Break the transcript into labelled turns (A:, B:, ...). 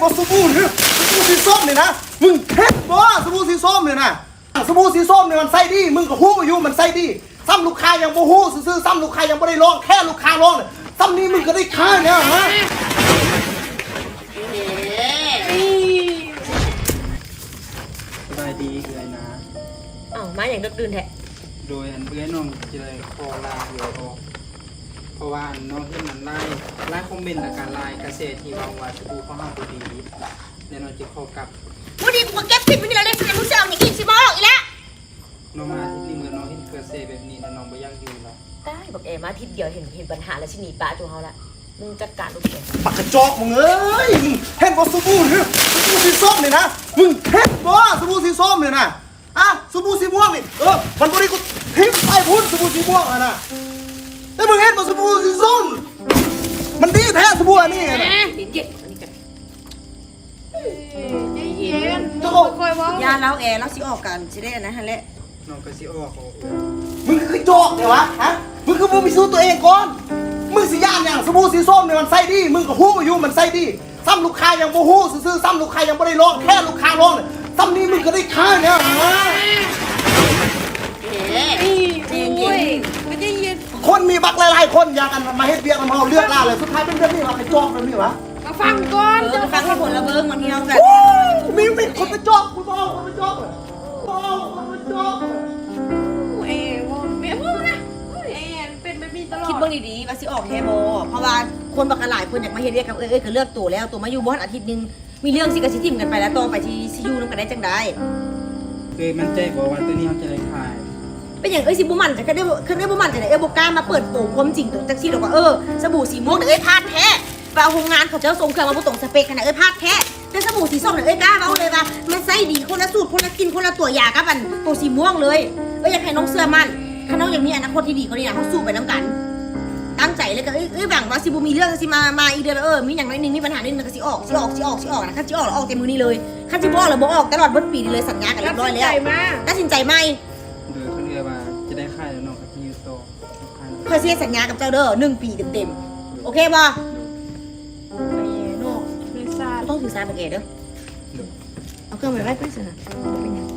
A: บ่สบู่เนี่ยสบู่สีส้มเนี่ยนะมึงเห็นบ่สบู่สีส้มเนี่ยนะสบู่สีส้มเนี่ยมันใส่ดีมึงก็ฮู้อยู่มันใส่ดีซ้ำลูกค้ายังบ่ฮู้ซื่อๆซ้ำลูกค้ายังบ่ได้ลองแค่ลูกค้าลองเนี่ยซ้ำนี้มึงก็ได้ค่าเนี่ยฮะ
B: สบายดีเลยนะ
C: อ้าวมาอย่างดึกดื่นแท้
B: โดยอันเอื้อยน้องจะเลยขอลาเดี๋ยวออกเพราะว่าน้องที่มันไล่คอมเมนต์และการไล่เกษตรที่วางว่าสบู่เขาห้ามบุดีเดี๋ยวน้องจะขอกลับ
C: วันนี้กูเก็บผิดไปนี่แล้วเลยสิมึงจะเอาอย่างอีกสิบอกอีกแล้ว
B: น้องมาที่นี่เมื่อน้องเห็นเกษตรแบบนี้น้องไปย่างอยู่แล้ว
C: ได้บอกมาทิศเดียวเห็นปัญหาแล้วชิหนีป้าจูเฮาละมึงจัดการลูกเอง
A: ปากกระจอกมึงเอ้ยมึงเห็นบ่สบู่เนี่ยสบู่สีส้มเนี่ยนะมึงเห็นบ่สบู่สีส้มเนี่ยนะสบู่สีม่วงนี่มันบ่ได้กูทิ้งไปพุ่นสบู่สีม่วงนะแต่มึงเห็นบ่สบู่สีส้มมันดีแท้สบู่อันนี้นะ
C: เย็นอันนี้กัน
D: เย็น
A: โจ้
D: คอยว่าย
E: าเล้าแอร์เล้าสิออกกันสิได้อันนั้นหั่นแหละ
B: น้องก็สิออกเขา
A: มึงคือโจอกเนี่ยวะมึงคือมึงไปสู้ตัวเองก่อนมึงสิย่านอย่างสบู่สีส้มเนี่ยมันใส่ดีมึงก็ฮู้อยู่มันใส่ดีซ้ำลูกค้ายังบ่ฮู้ซื่อๆซ้ำลูกค้ายังบ่ได้ลองแค่ลูกค้าลองเนี่ยซ้ำนี้มึงก็ได้ค่าเนี่ยฮะ
D: ไม่ได้เย็น
A: คนมีบักหลายๆคนอยากกันมาเฮ็ดเบียร์กันเฮาเลือกล่าเลยสุดท้ายเป็นเรื่องนี้วะไอ้โจอกแบบนี้วะ
D: มาฟังก่อน
E: จะฟังให้ผลละเบิ้งบางทีเราแบบ
A: มีคนไปโจอกกูบอกคนไปโจอกคนไปโจอก
D: เอ๋วแม่พูดนะเอ๋เป็นแบบนี้ตลอด
E: คิดเบิ้งดีๆว่าสิออกแฮโบเพราะว่าคนบักหลายคนอยากมาเฮ็ดเรียกกับก็เลือกตัวแล้วตัวมาอยู่บ้านอาทิตย์นึงมีเรื่องสิกะสิทิมกันไปแล้วต่อไปที่ซิยูนำกันได้จังได๋
B: มันใจบอกว่าตัวนี้เขาจะได้ขาย
E: เป็นอย่างสิบ่มั่นจะได้บ่มั่นจะได้บ่กล้ามาเปิดโปงความจริงตรงจังซี่ดอกว่าสบู่สีม่วงพลาดแท้ว่าโรงงานเขาเจ้าส่งเครื่องมาบ่ตรงสเปคขนาดพลาดแท้แต่สบู่สีส้มเนี่ยกล้าเว้าเลยว่ามันใส่ดีคนละสูตรคนละกินคนละตัวยากับอันตัวสีม่วงเลยอยากให้น้องเสื้อมั่นถ้าน้องอย่างนี้อนาคตที่ดีเขานี่นะเขาสู้ไปน้ำกัน ตั้งใจเลยก็หวังว่าสิบูมีเรื่องสิมาอีกเดือนมีอย่างไรนึงมีปัญหานิดนึงก็สิออกนะคันสิออกแล้วออกเต็มมือนี้เลยคันสิบ่ออกแล้วบ่ออกตลอดเบิดปีนี้เลยสัญญากันเรียบร้อยแล้วตัดสินใจไหม
B: โดยคนเอื้อยว่าจะได้ขายแล้วน้องก็จะอยู่ต่อขาย
E: เคยเซ็นสัญญากับเจ้าเด้อ1 ปีเต็มโอเคป่ะโน่
D: ไม่ทราบ
E: ต้องถือสายปากเกตเด้อเอาเครื่องไปไว้เพื่อนสินะเป็นยัง